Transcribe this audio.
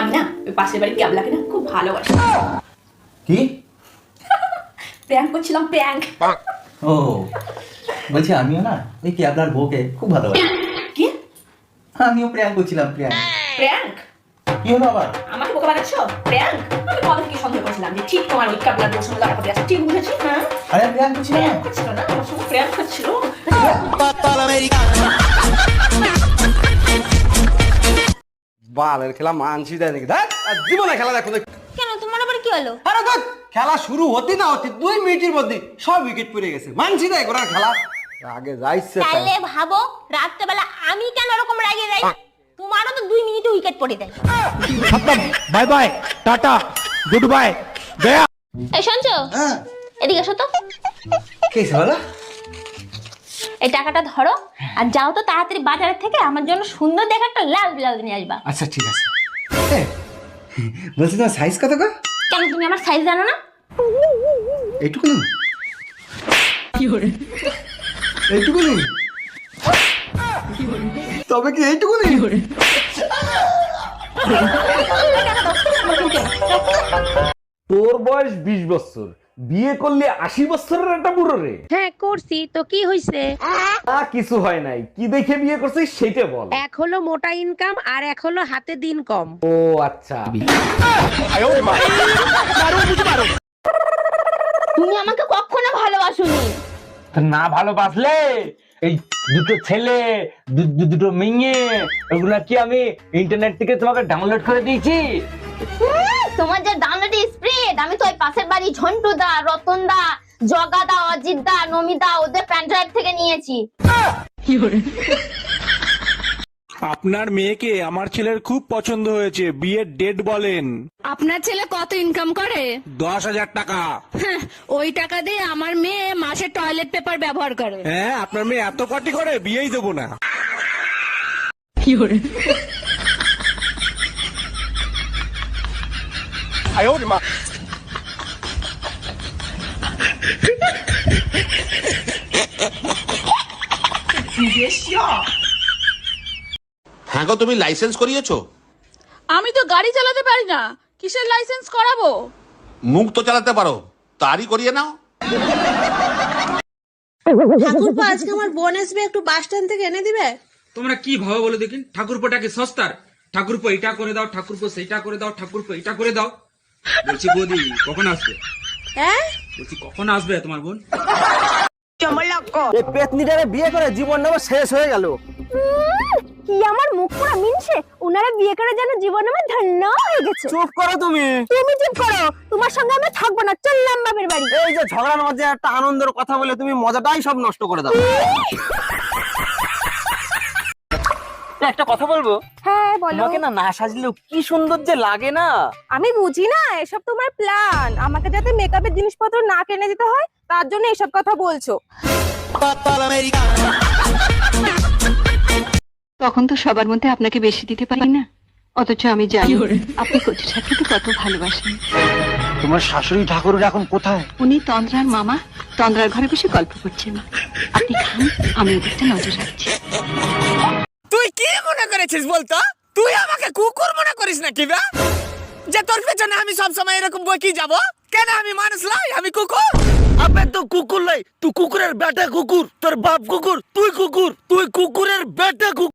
আমি না ওই পাশের বাড়ির ক্যাবলাকে না খুব ভালোবাসি। কি প্র্যাঙ্ক করছিলাম, প্র্যাঙ্ক। ও বলছি আমিও না ওই ক্যাবলার বউকে খুব ভালোবাসি। কি? আমিও প্র্যাঙ্ক করছিলাম। প্র্যাঙ্ক? কি হলো আবার? আমাকে বোকা বানাচ্ছ? প্র্যাঙ্ক? আমি কবে থেকে সন্দেহ করছিলাম যে ঠিক তোমার ওই ক্যাবলার বউর সঙ্গে লড়াই আছে। ঠিক বুঝেছি। হ্যাঁ আরে প্র্যাঙ্ক করছিলাম। প্র্যাঙ্ক করছিল না, আমার সঙ্গে প্র্যাঙ্ক করছিল। বালের খেলা মানছি দেয় নাকি? দেখ জীবনে খেলা দেখো। কেন, তোমার আবার কি হলো? আরে দেখ খেলা শুরু হতে না হতে 2 মিনিটের মধ্যে সব উইকেট পড়ে গেছে। মানছি দেয় ঘোড়ার খেলা আগে যাইছে। তাহলে ভাবো রাত্রেবেলা আমি কেন এরকম রাগে যাই? তোমারও তো 2 মিনিটে উইকেট পড়ে দেয়। Bye bye, tata, good bye, গয়া। এই শুনছো? হ্যাঁ এদিকে এসো তো। কি বলো? এই টাকাটা ধরো আর যাও তো তাড়াতাড়ি বাজারের থেকে আমার জন্য সুন্দর দেখে একটা লাল ব্লাউজ নিয়ে আসবা। আচ্ছা ঠিক আছে। বলছি তোমার সাইজ কত গো? কেন, তুমি আমার সাইজ জানো না? এইটুকু নেই? এইটুকু নেই? তবে কি এইটুকু নেই? তোর বয়স 20 বছর, বিয়ে করলে 80 বছরের একটা বুড়ো রে। হ্যাঁ করছি তো, কি হইছে? কিছু হয় নাই, কি দেখে বিয়ে করছিস সেটা বল। এক হলো মোটা ইনকাম আর এক হলো হাতে দিন কম। ও আচ্ছা। তুমি আমাকে কখনো ভালোবাসোনি। না ভালোবাসলে এই দুটো ছেলে দুটো মেয়ে ওগুলা কি আমি ইন্টারনেট থেকে তোমাকে ডাউনলোড করে দিয়েছি? তোমার যে ডাউনলোড স্প্রেড, আমি তো ওই পাশের বাড়ি ঝন্টু দা, রতন দা, জগা দা, অজিত দা, নমিদা ওদের প্যান ড্রাইভ থেকে নিয়েছি। আপনার মেয়েকে আমার ছেলের খুব পছন্দ হয়েছে, বিয়ের ডেট বলেন। আপনার ছেলে কত ইনকাম করে? 10,000 টাকা। ওই টাকা দিয়ে আমার মেয়ে মাসে টয়লেট পেপার ব্যবহার করে। হ্যাঁ, আপনার মেয়ে এত কটি করে বিয়েই দেবো না। হ্যাঁ গো, তুমি লাইসেন্স করিয়েছো? আমি তো গাড়ি চালাতে পারি না, কিসের লাইসেন্স করাবো? মুখ তো চালাতে পারো, তারই করিয়ে নাও। ঠাকুরপো, আজকে আমার বোন আসবে, একটু বাস স্ট্যান্ড থেকে এনে দিবে? তোমরা কি ভাবো বলো দেখিন? ঠাকুরপোটা কি সস্তার? ঠাকুরপো এটা করে দাও, ঠাকুরপো সেইটা করে দাও, ঠাকুরপো এটা করে দাও। বলছি বৌদি কখন আসবে? হ্যাঁ বলছি কখন আসবে তোমার বোন? এই পেতনিটারে বিয়ে করে জীবন নেব শেষ হয়ে গেল। কি আমার মুখ পুরো মিনছে, উনারা বিয়ে করে যেন জীবন আমার ধন্য হয়ে গেছে। চুপ করো তুমি। তুমি চুপ করো, তোমার সঙ্গে আমি থাকবো না, চললাম বাপের বাড়ি। এই যে ঝগড়ার মধ্যে একটা আনন্দের কথা বলে তুমি মজাটাই সব নষ্ট করে দাও। একটা কথা বলবো? হ্যাঁ বলো। তোমাকে না না সাজলেও কি সুন্দর যে লাগে না। আমি বুঝি না, এসব তোমার প্ল্যান। আমাকে যাতে মেকআপের জিনিসপত্র না কিনে দিতে হয় তার জন্য এসব কথা বলছো। তখন তো সবার মধ্যে আপনাকে বেশি দিতে পারি না, অথচ আমি জানি আপনি কচু ঠাকুরকে কত ভালোবাসেন। তোমার শাশুড়ি ঠাকুর এখন কোথায়? উনি তন্দ্রার মামা, তন্দ্রার ঘরে বসে গল্প করছেন। আপনি খান, আমি ওদিকটা নজর রাখছি। তুই কি মনে করেছিস বলতো? তুই আমাকে কুকুর মনে করিস নাকি বে? যে তোর পেছনে আমি সব সময় এরকম বকি যাব? কেন আমি মানুষ নই, আমি কুকুর? আবে তো কুকুর লাই, তুই কুকুরের বেটা কুকুর, তোর বাপ কুকুর, তুই কুকুর, তুই কুকুরের বেটা কুকুর।